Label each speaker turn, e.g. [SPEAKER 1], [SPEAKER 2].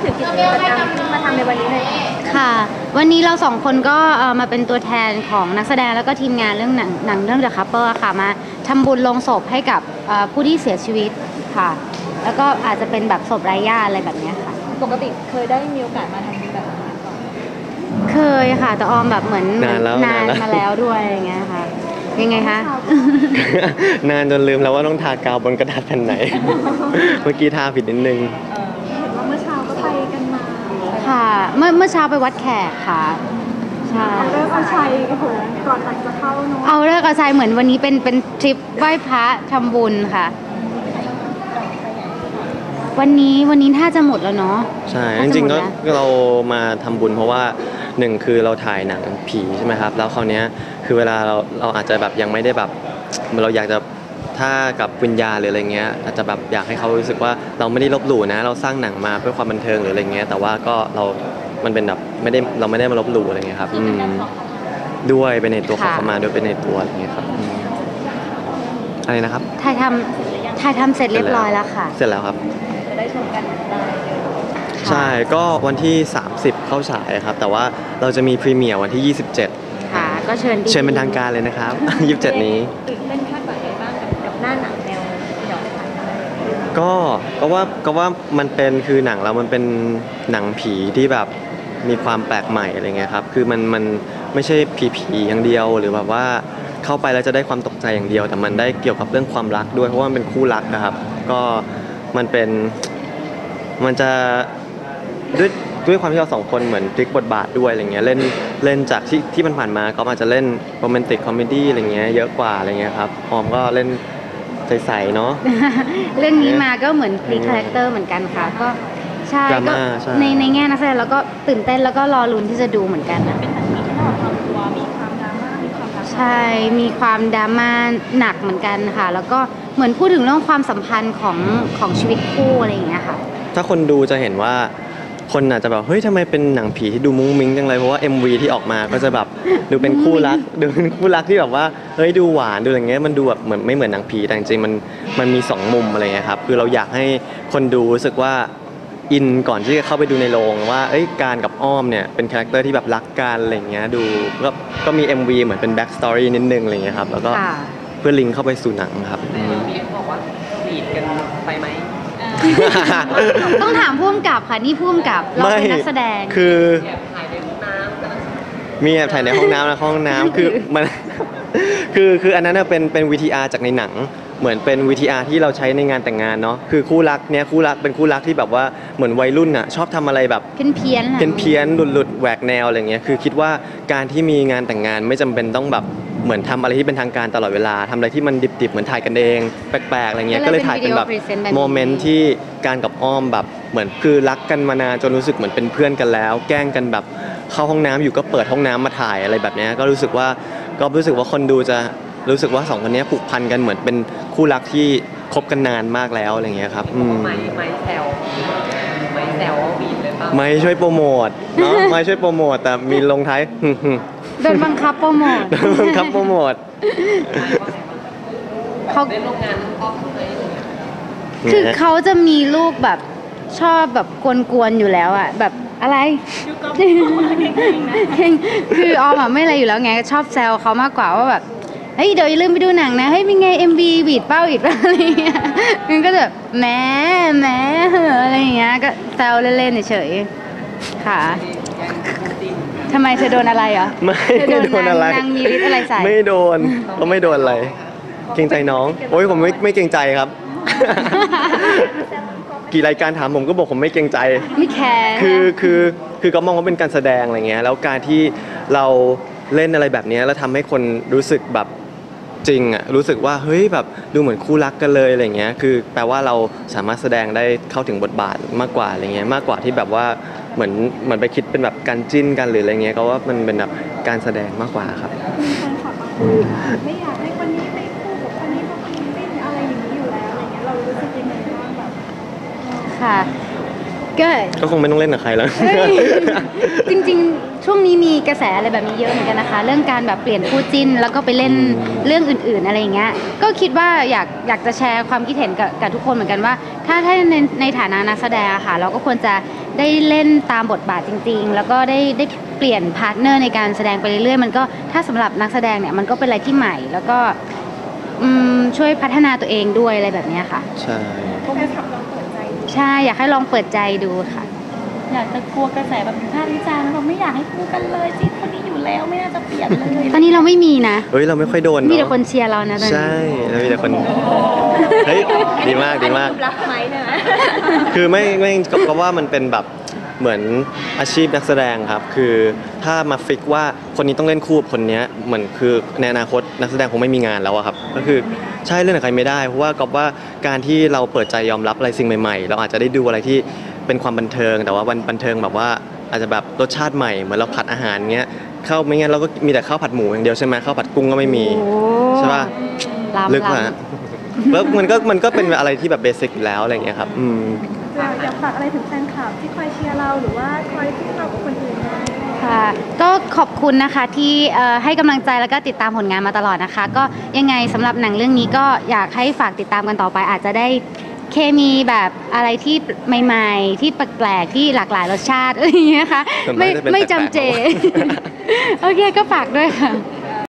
[SPEAKER 1] ถึงกิจกรรมที่มาทำในวันนี้เลย
[SPEAKER 2] ค่ะวันนี้เราสองคนก็มาเป็นตัวแทนของนักแสดงแล้วก็ทีมงานเรื่องหนังเรื่อง The Couple ค่ะมาทำบุญลงศพให้กับผู้ที่เสียชีวิตค่ะแล้วก็อาจจะเป็นแบบศพไร้ญาติอะไรแบบนี้ค่ะ
[SPEAKER 1] ปกติเคยได้มีโอกาสมาทำบุญแบบนี้ก่อน
[SPEAKER 2] เคยค่ะแต่ออมแบบเหมือน
[SPEAKER 3] นาน
[SPEAKER 2] มาแล้วด้วยอย่างเงี้ยค่ะยังไงคะ
[SPEAKER 3] นานจนลืมแล้วว่าต้องทากาวบนกระดาษแผ่นไหน เมื่อกี้ทาผิดนิดนึง
[SPEAKER 1] เห็นว่าเมื่อเช้าก็ไปกันมา
[SPEAKER 2] ค่ะเมื่อเช้าไปวัดแขกค่ะใช่
[SPEAKER 1] เอาเลิกเอาชัยโอ้โหก่อนหลังจะเข้าเนาะ
[SPEAKER 2] เอาเลิกเอาชัยเหมือนวันนี้เป็นทริปไหว้พระทำบุญค่ะวันนี้ถ้าจะหมดแล้วเนาะ
[SPEAKER 3] ใช่จริงๆก็เรามาทำบุญเพราะว่าหนึ่งคือเราถ่ายหนังผีใช่ไหมครับแล้วคราวนี้คือเวลาเราอาจจะแบบยังไม่ได้แบบเราอยากจะถ้ากับวิญญาณหรืออะไรเงี้ยอาจจะแบบอยากให้เขารู้สึกว่าเราไม่ได้ลบหลู่นะเราสร้างหนังมาเพื่อความบันเทิงหรืออะไรเงี้ยแต่ว่าก็มันเป็นแบบเราไม่ได้มาลบหลู่อะไรเงี้ยครับด้วยเป็นในตัวขอเข้ามาด้วยเป็นในตัวอะไรเงี้ยครับอะไรนะครับ
[SPEAKER 2] ถ่ายทำเสร็จเรียบร้อยแล้วค่ะ
[SPEAKER 3] เสร็จแล้วครับ
[SPEAKER 1] จะได้ชมกันได้
[SPEAKER 3] ใช่ก็วันที่30เข้าฉายครับแต่ว่าเราจะมีพรีเมียร์วันที่27
[SPEAKER 2] ค่ะก็เชิญ
[SPEAKER 3] เป็นทางการเลยนะครับ27นี้
[SPEAKER 1] ตื่นเต้นคาดหวังอะไรบ้างกับหน้าหนังแนวหยอดถ่าย
[SPEAKER 3] ก็ว่ามันเป็นคือหนังเรามันเป็นหนังผีที่แบบมีความแปลกใหม่อะไรเงี้ยครับคือมันไม่ใช่ผีอย่างเดียวหรือแบบว่าเข้าไปแล้วจะได้ความตกใจอย่างเดียวแต่มันได้เกี่ยวกับเรื่องความรักด้วยเพราะว่ามันเป็นคู่รักนะครับก็มันจะด้วยความที่เราสองคนเหมือนพลิกบทบาทด้วยอะไรเงี้ยเล่นจากที่มันผ่านมาก็อาจจะเล่นโรแมนติกคอมเมดี้อะไรเงี้ยเยอะกว่าอะไรเงี้ยครับออมก็เล่นใสๆเนาะ
[SPEAKER 2] เรื่องนี้มาก็เหมือนพลิกคาแรคเตอร์เหมือนกันค่ะก็ใช่ก็ในแง่นักแสดงแล้วก็ตื่นเต้นแล้วก็รอลุ้นที่จะดูเหมือนกันนะ
[SPEAKER 1] เป็นหนังผีที่เราทำตัวมีความดราม่ามีความ
[SPEAKER 2] ใช่มีความดราม่าหนักเหมือนกันค่ะแล้วก็เหมือนพูดถึงเรื่องความสัมพันธ์ของชีวิตคู่อะไรอย่างเงี้ยค่ะ
[SPEAKER 3] ถ้าคนดูจะเห็นว่าคนอาจจะแบบเฮ้ยทำไมเป็นหนังผีที่ดูมุ้งมิ้งจังเลยเพราะว่า MV ที่ออกมาก็จะแบบดูเป็นคู่รักที่แบบว่าเฮ้ยดูหวานดูอะไรเงี้ยมันดูแบบเหมือนไม่เหมือนหนังผีแต่จริงๆมันมี2มุมอะไรเงี้ยครับคือเราอยากให้คนดูรู้สึกว่าอินก่อนที่จะเข้าไปดูในโรงว่าเอ้ยการกับอ้อมเนี่ยเป็นคาแรคเตอร์ที่แบบรักกันอะไรเงี้ยดูก็มี MV เหมือนเป็นแบ็กสตอรี่นิดนึงอะไรเงี้ยครับแล้วก็เพื่อลิงก์เข้าไปสู่หนังครับ
[SPEAKER 4] มีบอกว่าบีดกันไปไหม
[SPEAKER 2] ต้องถามผู้กำกับค่ะนี่ผู้กำกับเราเป็นนักแสดง
[SPEAKER 3] คือ
[SPEAKER 4] ถ่ายในห้องน้ำ
[SPEAKER 3] มีแอบถ่ายในห้องน้ำนะห้องน้ำคือมันคืออันนั้นเป็น VTR จากในหนังเหมือนเป็น VTR ที่เราใช้ในงานแต่งงานเนาะคือคู่รักเป็นคู่รักที่แบบว่าเหมือนวัยรุ่นอ่ะชอบทำอะไรแบบ
[SPEAKER 2] เพี้ยน
[SPEAKER 3] หลุดแหวกแนวอะไรเงี้ยคือคิดว่าการที่มีงานแต่งงานไม่จำเป็นต้องแบบเหมือนทำอะไรที่เป็นทางการตลอดเวลาทำอะไรที่มันดิบๆเหมือนถ่ายกันเองแปลกๆอะไรเงี้ยก็เลยถ่ายเป็นแบบโมเมนต์ที่การกับอ้อมแบบเหมือนคือรักกันมานานจนรู้สึกเหมือนเป็นเพื่อนกันแล้วแกล้งกันแบบเข้าห้องน้ำอยู่ก็เปิดห้องน้ำมาถ่ายอะไรแบบนี้ก็รู้สึกว่าคนดูจะรู้สึกว่า2คนนี้ผูกพันกันเหมือนเป็นคู่รักที่คบกันนานมากแล้วอะไรเงี้ยครับ
[SPEAKER 4] ไม่แซวบีดเลยป่ะ
[SPEAKER 3] ไม่ช่วยโปรโมทเนาะไม่ช่วยโปรโมทแต่มีลงท้าย
[SPEAKER 2] โดนบังคับโปรโมท
[SPEAKER 4] เขาได้ร่วมงานพ่อเลย
[SPEAKER 2] คือเขาจะมีลูกแบบชอบแบบกวนๆอยู่แล้วอ่ะแบบอะไรคือออมอ่ะไม่อะไรอยู่แล้วไงชอบแซวเขามากกว่าว่าแบบเฮ้ยเดี๋ยวอย่าลืมไปดูหนังนะเฮ้ยเป็นไง MV บีดเป้าอีกอะไรเงี้ยมันก็แบบแหมอะไรอย่างเงี้ยก็แซวเล่นๆเฉยๆค่ะทำไมเธอโดนอะไรอ่ะ
[SPEAKER 3] ไม่โดนอะไร
[SPEAKER 2] นางมีฤทธิ์อะไรใส่
[SPEAKER 3] ไม่โดนก็ไม่โดนอะไรเกรงใจน้องโอ้ยผมไม่เกรงใจครับกี่รายการถามผมก็บอกผมไม่เกรงใจ
[SPEAKER 2] ไม่แคร์
[SPEAKER 3] คือก็มองว่าเป็นการแสดงอะไรเงี้ยแล้วการที่เราเล่นอะไรแบบนี้แล้วทำให้คนรู้สึกแบบจริงอ่ะรู้สึกว่าเฮ้ยแบบดูเหมือนคู่รักกันเลยอะไรเงี้ยคือแปลว่าเราสามารถแสดงได้เข้าถึงบทบาทมากกว่าอะไรเงี้ยมากกว่าที่แบบว่าเหมือนไปคิดเป็นแบบการจิ้นกันหรืออะไรเงี้ยก็ว่ามันเป็นแบบการแสดงมากกว่าครับ
[SPEAKER 1] ไม่อยากให้คนนี้ไปคู่กับคนนี้เพราะคนนี้จิ้นอะไรอย่างนี้อยู่แล้วอะไรเงี้ยเรารู้สึกยังไงบ้างแบบ
[SPEAKER 2] ค่ะ
[SPEAKER 3] ก็คงไม่ต้องเล่นกับใครแล้ว
[SPEAKER 2] จริงๆช่วงนี้มีกระแสอะไรแบบนี้เยอะเหมือนกันนะคะเรื่องการแบบเปลี่ยนคู่จิ้นแล้วก็ไปเล่นเรื่องอื่นๆอะไรอย่างเงี้ยก็คิดว่าอยากจะแชร์ความคิดเห็นกับทุกคนเหมือนกันว่าถ้าในฐานะนักแสดงค่ะเราก็ควรจะได้เล่นตามบทบาทจริงๆ แล้วก็ได้เปลี่ยนพาร์ทเนอร์ในการแสดงไปเรื่อยๆมันก็ถ้าสำหรับนักแสดงเนี่ยมันก็เป็นอะไรที่ใหม่ แล้วก็ช่วยพัฒนาตัวเองด้วยอะไรแบบเนี้ยค่ะ
[SPEAKER 3] ใช่
[SPEAKER 1] พวกแฟนคลับลองเปิดใจดู
[SPEAKER 2] ใช่อยากให้ลองเปิดใจดูค่ะ
[SPEAKER 1] อยากจะกลัวกระแสแบบวิพากษ์วิจารณ์เราไม่อยากให้คู่กันเลยสิคนนี้อยู่แล้วไม่น่าจะเปลี่ยนเลย
[SPEAKER 2] ตอนนี้เราไม่มีนะ
[SPEAKER 3] เฮ้ยเราไม่ค่อยโดน
[SPEAKER 2] มีแต่
[SPEAKER 3] เนาะ
[SPEAKER 2] คนเชียร์เรานะตอนนี้
[SPEAKER 3] ใช่แล้วมีแต่คนเฮ้ยดีมากดีมาก
[SPEAKER 1] รักไหมใช่ไหม
[SPEAKER 3] คือไม่ก็ว่ามันเป็นแบบเหมือนอาชีพนักแสดงครับ คือถ้ามาฟิกว่าคนนี้ต้องเล่นคู่กับคนเนี้ยเหมือนคือในอนาคตนักแสดงคงไม่มีงานแล้วอะครับ ก็คือใช่เล่นกับใครไม่ได้เพราะว่าก็ว่าการที่เราเปิดใจยอมรับอะไรสิ่งใหม่ๆ เราอาจจะได้ดูอะไรที่เป็นความบันเทิง แต่ว่าบันเทิงแบบว่าอาจจะแบบรสชาติใหม่เหมือนเราผัดอาหารเงี้ยข้าวไม่งั้นเราก็มีแต่ข้าวผัดหมูอย่างเดียวใช่ไหมข้าวผัดกุ้งก็ไม่มี
[SPEAKER 2] โอ้
[SPEAKER 3] ใช่ป่ะ ลึก
[SPEAKER 2] ล้ำ
[SPEAKER 3] มาแล้วมันก็เป็นอะไรที่แบบเบสิกอยู่แล้วอะไรอย่างเงี้ยครับ
[SPEAKER 1] อยากฝากอะไรถึงแฟนคลับที่คอยเชียร์เราหรือว่าคอยที่เรากับคนอื่นไหม
[SPEAKER 2] ค่ะก็ขอบคุณนะคะที่ให้กำลังใจแล้วก็ติดตามผลงานมาตลอดนะคะ ก็ยังไงสำหรับหนังเรื่องนี้ก็อยากให้ฝากติดตามกันต่อไป อาจจะได้เคมีแบบอะไรที่ใหม่ๆ ที่แปลกๆที่หลากหลายรสชาติอะไรอย่างเงี้ยค่ะ
[SPEAKER 3] ส่วนมากจะเป็น
[SPEAKER 2] ไม่
[SPEAKER 3] แปลกๆ
[SPEAKER 2] จำเจ โอเคก็ฝากด้วยค่ะ